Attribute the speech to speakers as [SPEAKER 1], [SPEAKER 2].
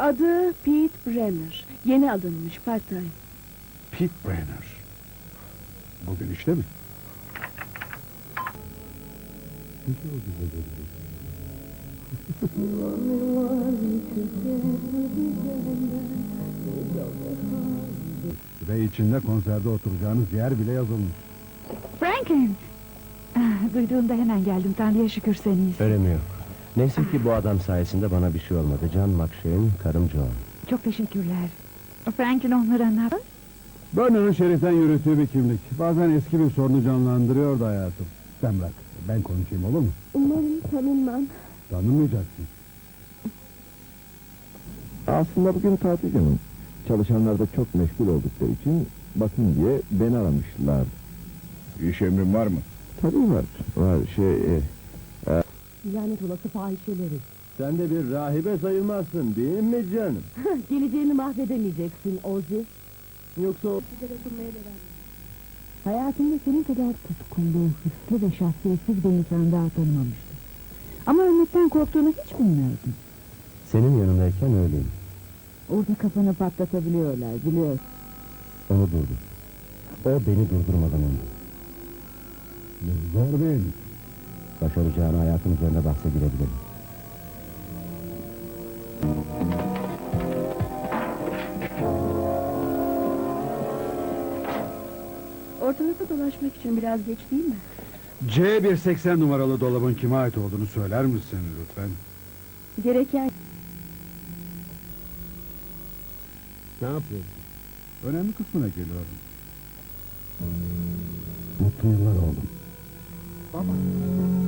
[SPEAKER 1] Adı Pete Brenner. Yeni alınmış, part-time.
[SPEAKER 2] Pete Brenner. Bugün işte mi? Ve içinde konserde oturacağınız yer bile yazılmış.
[SPEAKER 1] Franklin! Duyduğumda hemen geldim, Tanrı'ya şükür sen iyisin.
[SPEAKER 3] Önemi yok. Neyse ki bu adam sayesinde bana bir şey olmadı. John McShane'in karım Joan.
[SPEAKER 1] Çok teşekkürler. Franklin onları anlat.
[SPEAKER 2] Burnham'ın şeriften yürüttüğü bir kimlik. Bazen eski bir sorunu canlandırıyordu hayatım. Sen bırak, ben konuşayım olur mu?
[SPEAKER 1] Umarım tanınmam.
[SPEAKER 2] Tanımayacaksın.
[SPEAKER 4] Aslında bugün tatil günüm. Çalışanlar da çok meşgul oldukları için bakın diye beni aramışlar.
[SPEAKER 2] İş emrin var mı?
[SPEAKER 4] Tabii var. Var
[SPEAKER 1] Lanet olası fahişeleri.
[SPEAKER 4] Sen de bir rahibe sayılmazsın değil mi canım?
[SPEAKER 1] Geleceğini mahvedemeyeceksin Ozzy.
[SPEAKER 4] Yoksa o...
[SPEAKER 1] Hayatımda senin kadar tutkulu, hırslı ve şahsiyetsiz bir insan daha tanımamıştım. Ama ölmekten korktuğunu hiç bilmiyordum.
[SPEAKER 3] Senin yanındayken öyleyim.
[SPEAKER 1] Orada kafanı patlatabiliyorlar, biliyorsun.
[SPEAKER 3] Onu durdur. O beni durdurmadan önce.
[SPEAKER 2] Zor değil.
[SPEAKER 3] Başaracağını hayatın üzerine bahse girebilirim.
[SPEAKER 1] Ortalıkta dolaşmak için biraz geç değil mi?
[SPEAKER 2] C180 numaralı dolabın kime ait olduğunu söyler misin lütfen?
[SPEAKER 1] Gereken...
[SPEAKER 2] Ne yapıyorsun? Önemli kısmına geliyorum.
[SPEAKER 3] Mutlu yıllar oğlum.
[SPEAKER 2] Baba.